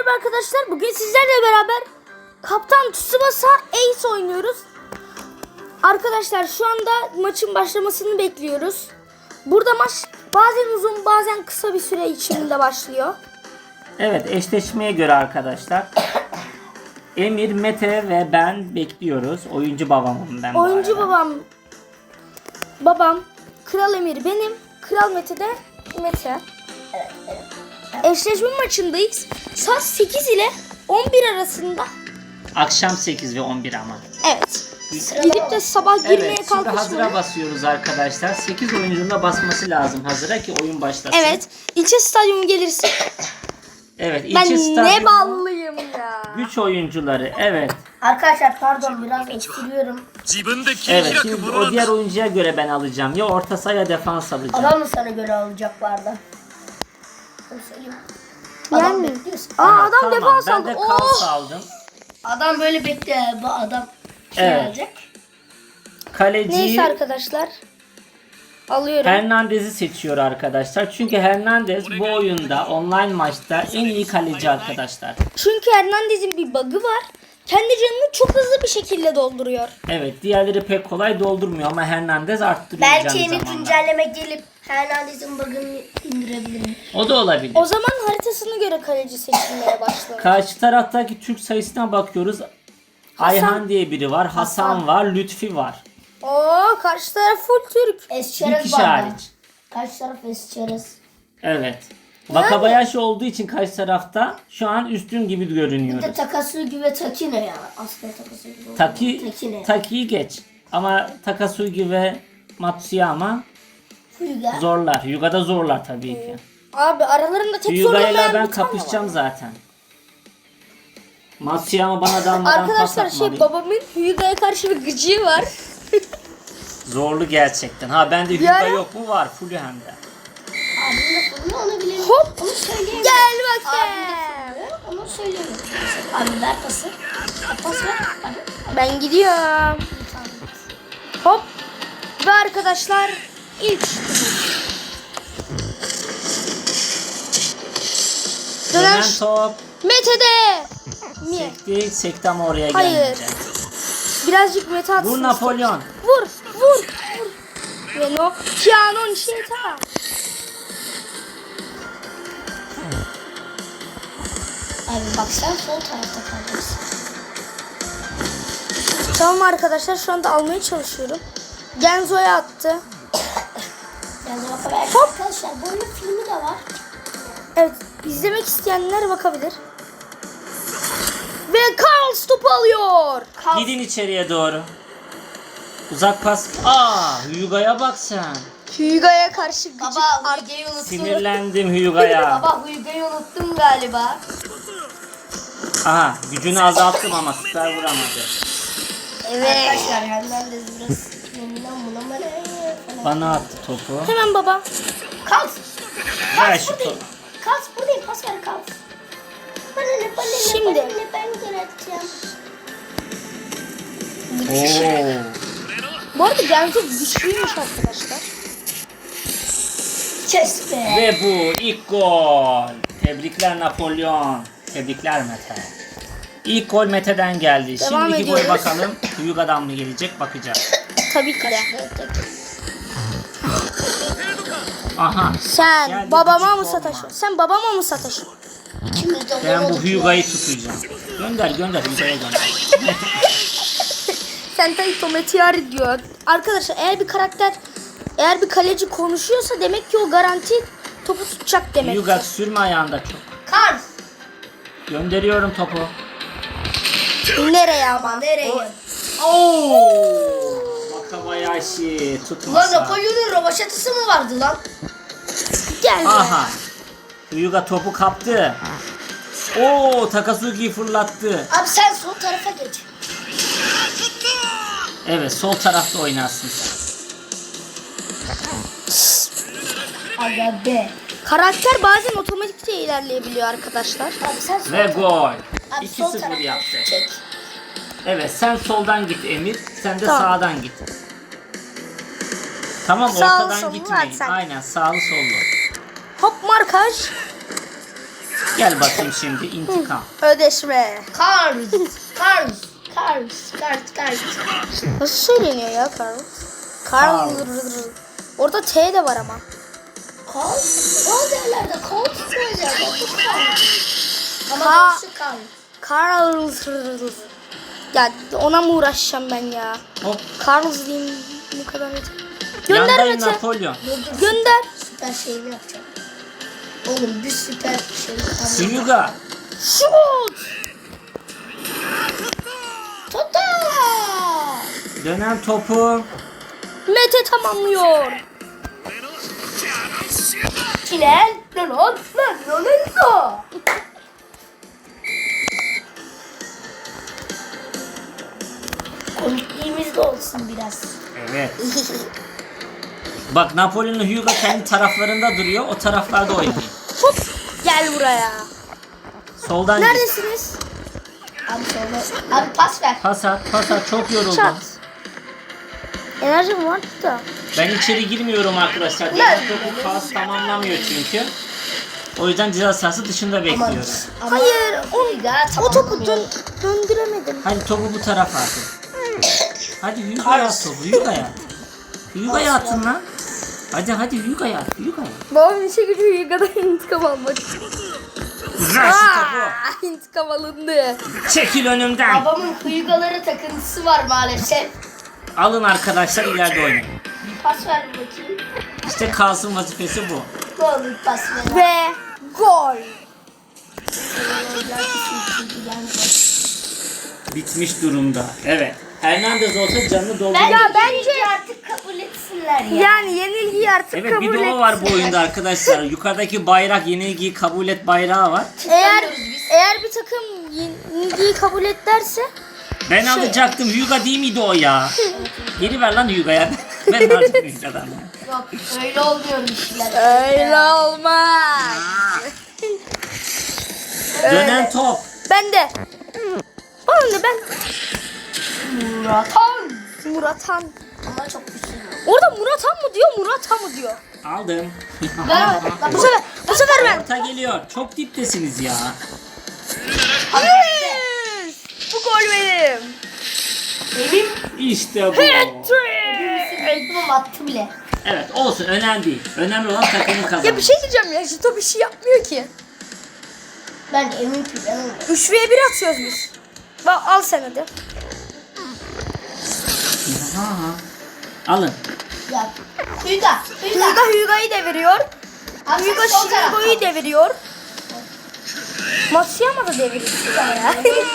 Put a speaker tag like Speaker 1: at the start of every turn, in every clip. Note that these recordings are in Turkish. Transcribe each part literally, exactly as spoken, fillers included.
Speaker 1: merhaba arkadaşlar. Bugün sizlerle beraber Kaptan Tsubasa Ace oynuyoruz. Arkadaşlar şu anda maçın başlamasını bekliyoruz. Burada maç bazen uzun bazen kısa bir süre içinde başlıyor.
Speaker 2: Evet, eşleşmeye göre arkadaşlar Emir, Mete ve ben bekliyoruz. Oyuncu babamım ben bu
Speaker 1: Oyuncu
Speaker 2: arada.
Speaker 1: babam babam Kral Emir benim, Kral Mete de Mete. Eşleşme maçındayız. Saat sekiz ile on bir arasında.
Speaker 2: Akşam sekiz ve on bir ama.
Speaker 1: Evet. Gidip de sabah girmeye
Speaker 2: Evet, şimdi hazıra
Speaker 1: kalkışmayın.
Speaker 2: basıyoruz arkadaşlar. sekiz oyuncunun da basması lazım hazıra ki oyun başlasın.
Speaker 1: Evet. İlçe stadyumu gelirse.
Speaker 2: Evet,
Speaker 1: Ben
Speaker 2: ilçe
Speaker 1: ne
Speaker 2: stadyumu,
Speaker 1: ballıyım ya.
Speaker 2: güç oyuncuları. Evet.
Speaker 3: Arkadaşlar pardon biraz eksiliyorum.
Speaker 2: Evet, şimdi o diğer oyuncuya göre ben alacağım. Ya orta saha ya defans alacağım.
Speaker 3: Adam mı sana göre alacak bu arada? Onu söyleyeyim. Adam
Speaker 1: Yani.
Speaker 3: bekliyorsun.
Speaker 1: Aa adam
Speaker 2: Tamam,
Speaker 1: defans
Speaker 2: ben
Speaker 1: aldı.
Speaker 2: de
Speaker 1: Oh.
Speaker 2: kaos aldım.
Speaker 3: Adam böyle bekliyor. Bu adam şey
Speaker 2: Evet.
Speaker 3: alacak.
Speaker 2: Kaleci
Speaker 1: Neyse arkadaşlar. Alıyorum.
Speaker 2: Hernandez'i seçiyor arkadaşlar. Çünkü Hernandez bu oyunda online maçta en iyi kaleci arkadaşlar.
Speaker 1: Çünkü Hernandez'in bir bug'ı var. Kendi canını çok hızlı bir şekilde dolduruyor.
Speaker 2: Evet, diğerleri pek kolay doldurmuyor ama Hernandez arttırıyor
Speaker 3: Belki
Speaker 2: canı
Speaker 3: yeni
Speaker 2: zamanla.
Speaker 3: güncelleme gelip Hernandez'in bug'ını indirebilirim.
Speaker 2: O da olabilir.
Speaker 1: O zaman haritasına göre kaleci seçilmeye başlanır.
Speaker 2: Karşı taraftaki Türk sayısına bakıyoruz. Ayhan diye biri var, Hasan,
Speaker 3: Hasan.
Speaker 2: var, Lütfi var.
Speaker 1: Oo karşı taraf full Türk.
Speaker 2: Bir
Speaker 3: Esçerez
Speaker 2: kişi
Speaker 3: var.
Speaker 2: hariç.
Speaker 3: Kaç taraf Esçerez?
Speaker 2: Evet. Vakabayashi olduğu için karşı tarafta şu an üstün gibi
Speaker 3: Bir
Speaker 2: görünüyoruz.
Speaker 3: de Takasugi ve Takine ya. Aslında Takasugi.
Speaker 2: Taki,
Speaker 3: Takine.
Speaker 2: Taki'yi geç. Ama Takasugi ve Matsuyama
Speaker 3: Fuga.
Speaker 2: zorlar. Yuga'da zorlar tabii ki.
Speaker 1: Abi aralarında tek
Speaker 2: Yuga'yla
Speaker 1: zorlamayan
Speaker 2: ben
Speaker 1: bir tane var.
Speaker 2: kapışacağım zaten. Matsuyama bana dalmadan pas
Speaker 1: Arkadaşlar
Speaker 2: atmalı.
Speaker 1: şey babamın Hyuga'ya karşı bir gıcığı var.
Speaker 2: Zorlu gerçekten. Ha bende Hyuga
Speaker 1: Yara-
Speaker 2: yok mu? Var. Full hem de.
Speaker 3: Abim de Fuga onu bilirim.
Speaker 1: Hop.
Speaker 3: Onu söyleyemem.
Speaker 1: Gel
Speaker 3: Abim
Speaker 1: bakayım.
Speaker 3: de Fuga onu söyleyemem. Abi ver pası. Pas ver. Abi.
Speaker 1: Ben gidiyorum. Hop. Ve arkadaşlar ilk
Speaker 2: Dönen
Speaker 1: Dönen
Speaker 2: top.
Speaker 1: Mete'de. Mi?
Speaker 2: Sekti. Sekti ama oraya
Speaker 1: Hayır.
Speaker 2: gelmeyecek.
Speaker 1: Birazcık Mete atsın.
Speaker 2: Vur Napolyon.
Speaker 1: Vur, vur, vur. Ve no. Kianon Şeta.
Speaker 3: Abi bak sen sol tarafta kalacaksın.
Speaker 1: Tamam arkadaşlar şu anda almaya çalışıyorum. Genzo'ya attı.
Speaker 3: Yani belki
Speaker 1: Hop.
Speaker 3: arkadaşlar böyle filmi de var.
Speaker 1: Evet izlemek isteyenler bakabilir. Ve Karl topu alıyor.
Speaker 2: Gidin içeriye doğru. Uzak pas. Aa, Hyuga'ya bak sen.
Speaker 1: Hyuga'ya karşı gıcık.
Speaker 3: Baba Huyge'yi unuttum.
Speaker 2: Sinirlendim Hyuga'ya.
Speaker 3: Baba Huyge'yi unuttum galiba.
Speaker 2: Aha, gücünü azalttım ama süper vuramadı.
Speaker 3: Evet. Arkadaşlar Hernandez biraz yeniden bulamadı falan.
Speaker 2: Bana attı topu.
Speaker 1: Hemen baba.
Speaker 3: Kals.
Speaker 2: Ver
Speaker 3: Kals
Speaker 2: şu
Speaker 3: buradayım.
Speaker 2: topu.
Speaker 3: Kals buradayım. Pas ver Kals. Bana ne bana ne
Speaker 1: Şimdi.
Speaker 3: bana ne ben gol atacağım.
Speaker 2: Oo.
Speaker 1: Bu arada Genzo güçlüymüş arkadaşlar.
Speaker 3: Kes be.
Speaker 2: Ve bu ilk gol. Tebrikler Napolyon. Tebrikler Mete. İlk gol Mete'den geldi.
Speaker 1: Devam
Speaker 2: Şimdiki gol
Speaker 1: ediyoruz.
Speaker 2: bakalım. Hyuga'dan mı gelecek bakacağız.
Speaker 1: Tabii ki de.
Speaker 2: Aha.
Speaker 1: Sen
Speaker 2: Geldi,
Speaker 1: babama
Speaker 2: küçük
Speaker 1: mı
Speaker 2: olma.
Speaker 1: sataşıyorsun? Sen babama mı sataşıyorsun?
Speaker 3: İkimiz de
Speaker 2: Ben
Speaker 3: gol
Speaker 2: bu
Speaker 3: olduk
Speaker 2: Hyuga'yı tutacağım. Gönder gönder Hyuga'ya gönder.
Speaker 1: Sentai Tometiari diyor. Arkadaşlar eğer bir karakter eğer bir kaleci konuşuyorsa demek ki o garanti topu tutacak demek.
Speaker 2: Hyuga sürme ayağında çok.
Speaker 3: ya. Kals.
Speaker 2: Gönderiyorum topu.
Speaker 1: Nereye ama?
Speaker 3: Nereye?
Speaker 2: Oo! Wakabayashi
Speaker 3: Ulan
Speaker 2: tutmasa.
Speaker 3: Napolyon'un rovaşatısı mı vardı lan?
Speaker 1: Gel.
Speaker 2: Aha. Hyuga topu kaptı. Oo, Takasugi'yi fırlattı.
Speaker 3: Abi sen sol tarafa geç.
Speaker 2: Evet, sol tarafta oynarsın sen.
Speaker 3: Aga be.
Speaker 1: Karakter bazen otomatikçe ilerleyebiliyor arkadaşlar.
Speaker 3: Abi sen sol
Speaker 2: Ve gol.
Speaker 3: Abi
Speaker 2: iki
Speaker 3: sol
Speaker 2: sıfır
Speaker 3: tarafa
Speaker 2: yaptı.
Speaker 3: çek.
Speaker 2: Evet, sen soldan git Emir. Sen de
Speaker 1: Tamam.
Speaker 2: sağdan git. Tamam,
Speaker 1: Sağlı
Speaker 2: ortadan
Speaker 1: sollu
Speaker 2: gitmeyin.
Speaker 1: at sen.
Speaker 2: Aynen, sağlı sollu.
Speaker 1: Hop markaj.
Speaker 2: Gel bakayım şimdi intikam.
Speaker 1: Ödeşme.
Speaker 3: Cars. Cars. Cars. Cars. Cars.
Speaker 1: Nasıl söyleniyor ya Carl? Carl. Orada T de var ama.
Speaker 3: Cars. O yerlerde Cars söyleyeceğim. Ama
Speaker 1: Ka-
Speaker 3: doğrusu Cars.
Speaker 1: Carl. Ya ona mı uğraşacağım ben ya?
Speaker 2: Hop.
Speaker 1: Carl diyeyim bu kadar yeter. Gönder
Speaker 2: Yandayım
Speaker 1: Mete.
Speaker 2: Napolyon.
Speaker 3: Dur dur.
Speaker 1: Gönder.
Speaker 3: Süper şeyini yapacağım. Oğlum bir süper şey yapacağım.
Speaker 2: Hyuga.
Speaker 1: Şut.
Speaker 3: Tota!
Speaker 2: Dönen topu.
Speaker 1: Mete tamamlıyor.
Speaker 3: Çilel. Lan lan lan lan. Komikliğimiz de olsun biraz.
Speaker 2: Evet. Bak Napolyon'la Hyuga kendi taraflarında duruyor. O taraflarda oynayın.
Speaker 1: Hop. Gel buraya.
Speaker 2: Soldan git.
Speaker 1: Neredesiniz?
Speaker 3: Abi sonra. Abi pas ver.
Speaker 2: Pas at, pas at. Çok yoruldum.
Speaker 1: Çat. Enerjim var da.
Speaker 2: Ben içeri girmiyorum arkadaşlar. Diğer topu pas tamamlamıyor çünkü. O yüzden ceza sahası dışında bekliyorum.
Speaker 3: Ama
Speaker 1: Hayır, o,
Speaker 3: Hyuga
Speaker 1: o topu
Speaker 3: tamamlamıyor.
Speaker 1: dön, döndüremedim.
Speaker 2: Hadi topu bu tarafa atın. Hadi Hyuga'ya at topu. Hyuga'ya at. Hyuga'ya atın lan. Hadi hadi Hyuga'ya at. Hyuga'ya at.
Speaker 1: Babam işe gücü Yuga'dan intikam almak.
Speaker 2: Ver şu topu.
Speaker 1: Aa, intikam alındı.
Speaker 2: Çekil önümden.
Speaker 3: Babamın Hyuga'ları takıntısı var maalesef.
Speaker 2: Alın arkadaşlar ileride oynayın.
Speaker 3: Pas ver bakayım.
Speaker 2: İşte kalsın vazifesi bu.
Speaker 3: Ne olur pas ver.
Speaker 1: Ve gol.
Speaker 2: Bitmiş durumda. Evet. Hernandez olsa canını doldurur.
Speaker 3: Bence,
Speaker 1: Ya bence-
Speaker 3: artık kabul etsinler ya.
Speaker 1: Yani yenilgiyi artık
Speaker 2: Evet
Speaker 1: kabul
Speaker 2: bir de o
Speaker 1: et.
Speaker 2: var bu oyunda arkadaşlar. Yukarıdaki bayrak yenilgiyi kabul et bayrağı var.
Speaker 1: Eğer
Speaker 3: Tutamıyoruz biz.
Speaker 1: eğer bir takım yenilgiyi kabul et derse
Speaker 2: Ben alacaktım. Hyuga değil miydi o ya? Geri ver lan Hyuga'ya. Ben alacağım Hyuga'dan.
Speaker 3: Yok öyle olmuyor işler.
Speaker 1: öyle olmaz.
Speaker 2: Dönen top.
Speaker 1: Ben de. Bana ne ben?
Speaker 3: Muratan.
Speaker 1: Muratan.
Speaker 3: Ama çok güçlü.
Speaker 1: Orada Muratan mı diyor, Muratan mı diyor?
Speaker 2: Aldım.
Speaker 3: Ben, ben
Speaker 1: Bu sefer, bu sefer ben.
Speaker 2: Orta geliyor. Çok diptesiniz ya.
Speaker 1: Yes! Bu gol benim.
Speaker 3: benim
Speaker 2: İşte bu.
Speaker 1: Hat-trick!
Speaker 3: reklamım attı bile.
Speaker 2: Evet olsun önemli değil. Önemli olan takımın kazanması.
Speaker 1: Ya bir şey diyeceğim ya, Jito bir şey yapmıyor ki.
Speaker 3: Ben M V P ben onu.
Speaker 1: üç ve bir atıyoruz biz. Bak al sen hadi.
Speaker 2: Aha. Alın.
Speaker 3: Ya. Hyuga. Hyuga.
Speaker 1: Hyuga Hyuga'yı deviriyor.
Speaker 3: Abi
Speaker 1: Hyuga
Speaker 3: sen sol
Speaker 1: Shinigo'yu
Speaker 3: taraftan.
Speaker 1: deviriyor. Matsuyama da deviriyor ya.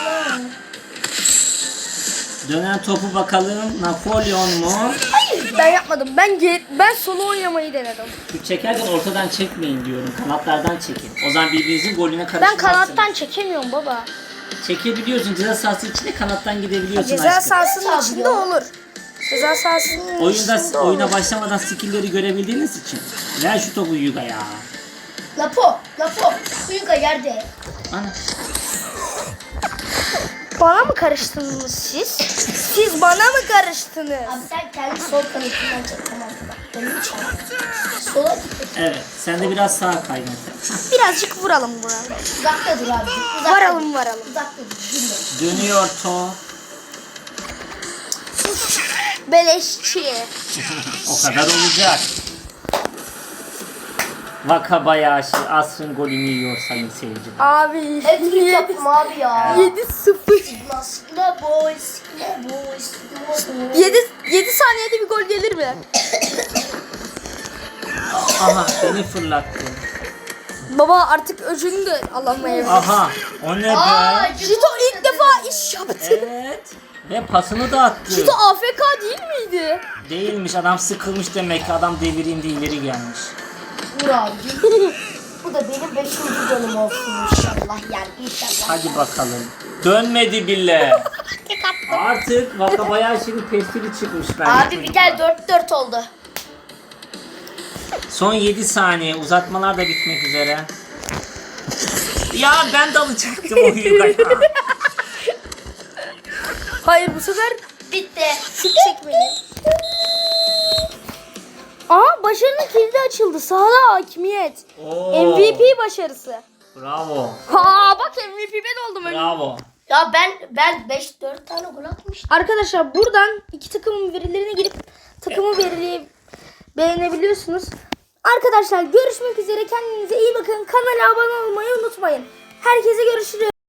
Speaker 2: Dönen topu bakalım. Napolyon mu?
Speaker 1: Hayır ben yapmadım. Ben ge- ben solo oynamayı denedim.
Speaker 2: Şu çekerken ortadan çekmeyin diyorum. Kanatlardan çekin. O zaman birbirinizin golüne
Speaker 1: Ben
Speaker 2: karışmazsınız.
Speaker 1: kanattan çekemiyorum baba.
Speaker 2: Çekebiliyorsun. Ceza sahası içinde kanattan gidebiliyorsun
Speaker 1: Ceza
Speaker 2: aşkım.
Speaker 1: sahasının
Speaker 3: Tabii
Speaker 1: içinde
Speaker 3: ya.
Speaker 1: olur. Ceza sahasının
Speaker 2: Oyunda,
Speaker 1: içinde olur.
Speaker 2: oyuna başlamadan skill'leri görebildiğiniz için. Ver şu topu Hyuga ya.
Speaker 3: Lapo. Lapo. Hyuga yerde.
Speaker 2: Ana.
Speaker 1: Bana mı karıştınız siz? Siz bana mı karıştınız?
Speaker 3: Abi sen kendi sol kanatından çek tamam mı? Bak benim için. Sola git.
Speaker 2: Evet. Sen de biraz sağa kay Mete.
Speaker 1: Birazcık vuralım buna.
Speaker 3: Uzakta dur abi. Uzakta
Speaker 1: Varalım
Speaker 3: dur.
Speaker 1: varalım.
Speaker 3: Uzakta dur. Dinle.
Speaker 2: Dönüyor top.
Speaker 1: Beleşçi.
Speaker 2: O kadar olacak. Wakabayashi asrın golünü yiyor sayın seyirciler.
Speaker 1: Abi
Speaker 3: Hepsini yaptım abi ya.
Speaker 1: yedi sıfır.
Speaker 3: Sigma boy, sigma boy, sigma boy.
Speaker 1: yedi yedi saniyede bir gol gelir mi?
Speaker 2: Aha beni fırlattı.
Speaker 1: Baba artık öcünü de alamayabilir.
Speaker 2: Aha o ne
Speaker 3: Aa,
Speaker 2: be?
Speaker 1: Jito ilk defa iş yaptı.
Speaker 2: Evet. Ve pasını da attı.
Speaker 1: Jito A F K değil miydi?
Speaker 2: Değilmiş adam sıkılmış demek ki adam devireyim de ileri gelmiş.
Speaker 3: Vur abi. Bu da benim beşinci golüm olsun inşallah yani inşallah.
Speaker 2: Hadi bakalım. Dönmedi bile. Artık Wakabayashi'nin pestili çıkmış bence.
Speaker 3: Abi bir gel dört dört oldu.
Speaker 2: Son yedi saniye uzatmalar da bitmek üzere. Ya ben de alacaktım o Hyuga'ya.
Speaker 1: Hayır bu sefer
Speaker 3: Bitti.
Speaker 1: şut çekmeliyim. Aa başarının kilidi açıldı. Sahada hakimiyet.
Speaker 2: Oo.
Speaker 1: M V P başarısı.
Speaker 2: Bravo.
Speaker 1: Ha bak M V P ben oldum.
Speaker 2: Bravo.
Speaker 3: Ya ben ben beş dört tane gol atmıştım.
Speaker 1: Arkadaşlar buradan iki takımın verilerine girip takımı verileri beğenebiliyorsunuz. Arkadaşlar görüşmek üzere. Kendinize iyi bakın. Kanala abone olmayı unutmayın. Herkese görüşürüz.